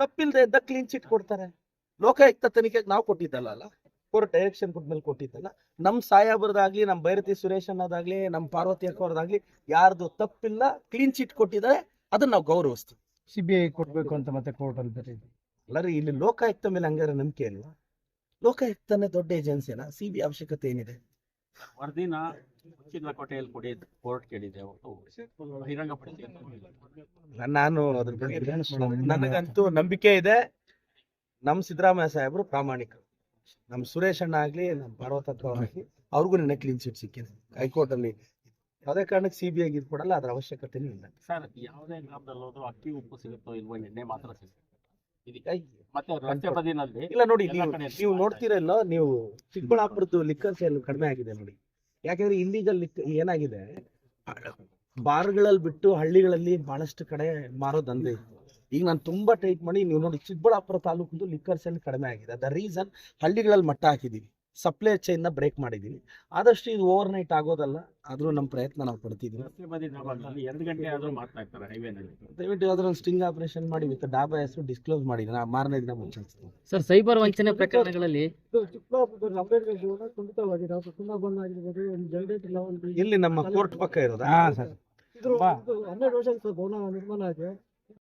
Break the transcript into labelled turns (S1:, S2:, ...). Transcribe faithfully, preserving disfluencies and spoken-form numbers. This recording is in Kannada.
S1: ತಪ್ಪಿಲ್ದೆ ಇದ್ದ ಕ್ಲೀನ್ ಚಿಟ್ ಕೊಡ್ತಾರೆ. ಲೋಕಾಯುಕ್ತ ತನಿಖೆಗೆ ನಾವು ಕೊಟ್ಟಿದ್ದಲ್ಲ ಅಲ್ಲ, ಕೋರ್ಟ್ ಡೈರೆಕ್ಷನ್ ಕೊಟ್ಮೇಲೆ ಕೊಟ್ಟಿದ್ದಲ್ಲ. ನಮ್ ಸಾಯಾಬ್ರದಾಗ್ಲಿ, ನಮ್ ಭೈರತಿ ಸುರೇಶ್ ಅನ್ನೋದಾಗ್ಲಿ, ನಮ್ ಪಾರ್ವತಿ ಅಕ್ಕವ್ರದಾಗ್ಲಿ ಯಾರ್ದು ತಪ್ಪಿಲ್ಲ, ಕ್ಲೀನ್ ಚಿಟ್ ಕೊಟ್ಟಿದ್ದಾರೆ, ಅದನ್ನ ನಾವು ಗೌರವಿಸ್ತೀವಿ.
S2: ಸಿಬಿಐ ಕೊಡ್ಬೇಕು ಅಂತ ಮತ್ತೆ ಕೋರ್ಟ್ ಅಲ್ಲಿ ಬರೀರಿ.
S1: ಅಲ್ಲರಿ ಇಲ್ಲಿ ಲೋಕಾಯುಕ್ತ ಮೇಲೆ ಹಂಗಾರೆ ನಂಬಿಕೆ ಇಲ್ವಾ? ಲೋಕಾಯುಕ್ತನೇ ದೊಡ್ಡ ಏಜೆನ್ಸಿನ, ಸಿ ಬಿ ಅವಶ್ಯಕತೆ ಏನಿದೆ?
S3: ವರದಿನ ಮುಚ್ಚಿದ ಕೋಟೆಯಲ್ಲಿ ಕೊಡಿ ಕೋರ್ಟ್ ಕೇಳಿದೆ, ಬಹಿರಂಗಪಡಿಸಿ.
S1: ನಾನು ಅದ್ರ ಬಗ್ಗೆ ನನಗಂತೂ ನಂಬಿಕೆ ಇದೆ. ನಮ್ ಸಿದ್ದರಾಮಯ್ಯ ಸಾಹೇಬರು ಪ್ರಾಮಾಣಿಕರು. ನಮ್ ಸುರೇಶ್ ಅಣ್ಣ ಆಗ್ಲಿ, ನಮ್ ಪಾರ್ವತಕ್ಕ ಅವ್ರಾಗ್ಲಿ, ಅವ್ರಿಗೂ ನಿನ್ನೆ ಕ್ಲೀನ್ ಚಿಟ್ ಸಿಕ್ಕಿದೆ ಹೈಕೋರ್ಟ್ ಅಲ್ಲಿ. ಯಾವುದೇ ಕಾರಣಕ್ಕೆ ಸಿ ಬಿ ಐ ಕೊಡಲ್ಲ, ಅದ್ರ ಅವಶ್ಯಕತೆನೂ ಇಲ್ಲ.
S3: ಸರ್, ಯಾವುದೇ ಗ್ರಾಮದಲ್ಲಿ ಹೋದ್ರು ಅಕ್ಕಿ ಉಪ್ಪು ಸಿಗುತ್ತೋ ಇಲ್ವೋ, ಎಣ್ಣೆ ಮಾತ್ರ ಸಿಗುತ್ತೆ.
S1: ಇದಕ್ಕೆ
S3: ಮತ್ತೆ ರಸ್ತೆ ಬದಿನಲ್ಲಿ
S1: ಇಲ್ಲ ನೋಡಿ,
S3: ಎಲ್ಲ
S1: ನೀವು
S3: ಕಡೆ
S1: ನೀವು ನೋಡ್ತೀರಲ್ಲೋ, ನೀವು ಚಿಕ್ಕಬಳ್ಳಾಪುರದ್ದು ಲಿಕ್ಕರ್ ಸೇಲ್ ಕಡಿಮೆ ಆಗಿದೆ ನೋಡಿ. ಯಾಕಂದ್ರೆ ಇಲ್ಲಿಗಲ್ ಲಿಕ್ ಏನಾಗಿದೆ, ಬಾರ್ಗಳಲ್ಲಿ ಬಿಟ್ಟು ಹಳ್ಳಿಗಳಲ್ಲಿ ಬಹಳಷ್ಟು ಕಡೆ ಮಾರೋ ದಂಧೆ ಇತ್ತು. ಈಗ ನಾನು ತುಂಬಾ ಟೈಟ್ ಮಾಡಿ, ನೀವು ನೋಡಿ ಚಿಕ್ಕಬಳ್ಳಾಪುರ ತಾಲೂಕಿಂದು ಲಿಕ್ಕರ್ ಸೇಲ್ ಕಡಿಮೆ ಆಗಿದೆ. ದ ರೀಸನ್ ಹಳ್ಳಿಗಳಲ್ಲಿ ಮಟ್ಟ ಹಾಕಿದೀವಿ, ಸಪ್ಲೈ ಚೈನ್ ನ ಬ್ರೇಕ್ ಮಾಡಿದೀವಿ. ಆದಷ್ಟು ಇದು ಓವರ್ ನೈಟ್ ಆಗೋದಲ್ಲ, ಆದ್ರೂ ನಮ್ಮ ಪ್ರಯತ್ನ ನಾವು ಪಡ್ತಿದ್ವಿ.
S3: ರಸ್ತೆ ಬದಿ ಡಾಬಾಗಳಲ್ಲಿ ಎರಡು ಗಂಟೆ ಆದ್ರೂ ಮಾಡ್ತಾ ಇರ್ತಾರೆ ಹೈವೇನಲ್ಲಿ.
S1: ದಯವಿಟ್ಟು ಯಾವ್ದಾದ್ರು ಒಂದು ಸ್ಟಿಂಗ್ ಆಪರೇಷನ್ ಮಾಡಿ ವಿತ್ ಡಾಬಾ ಹೆಸರು ಡಿಸ್ಕ್ಲೋಸ್ ಮಾಡಿ, ನಾ ಮಾರನೇ ದಿನ ಮುಂಚೆ.
S4: ಸರ್, ಸೈಬರ್ ವಂಚನೆ ಪ್ರಕರಣಗಳಲ್ಲಿ
S1: ಇಲ್ಲಿ ನಮ್ಮ ಕೋರ್ಟ್ ಪಕ್ಕ ಇರೋದಾ?
S2: ಹಾ ಸರ್.
S5: ಹನ್ನೆರಡು ವರ್ಷ ಭವನ ನಿರ್ಮಾಣ ಆಗಿದೆ.